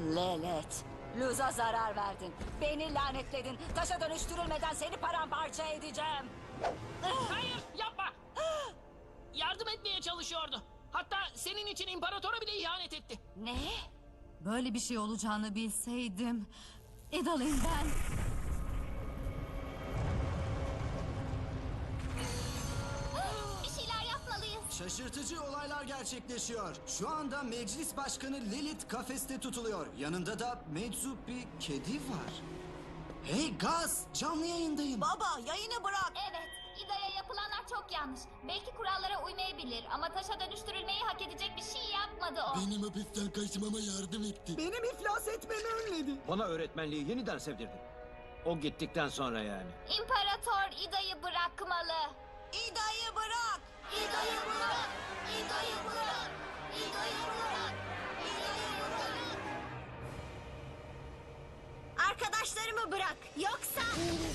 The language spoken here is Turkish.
Lelet, Luz'a zarar verdin. Beni lanetledin. Taşa dönüştürülmeden seni paramparça edeceğim. Hayır, yapma. Yardım etmeye çalışıyordu. Hatta senin için imparatora bile ihanet etti. Ne? Böyle bir şey olacağını bilseydim. İdal'im ben. Bir şeyler yapmalıyız. Şaşırtıcı olaylar gerçekleşiyor. Şu anda meclis başkanı Lilith kafeste tutuluyor. Yanında da meczup bir kedi var. Hey Gaz, canlı yayındayım. Baba, yayını bırak. Evet, İda'ya yapılanlar çok yanlış. Belki kurallara uymayabilir ama taşa dönüştürülmeyi hak edecek bir şey yapmadı o. Benim hapisten kaçmama yardım etti. Benim iflas etmemi önledi. Bana öğretmenliği yeniden sevdirdin. O gittikten sonra yani. İmparator İda'yı bırakmalı. İda'yı bırak. İda'yı bırak! İda'yı bırak! İda'yı bırak! İda'yı bırak! Arkadaşlarımı bırak. Yoksa...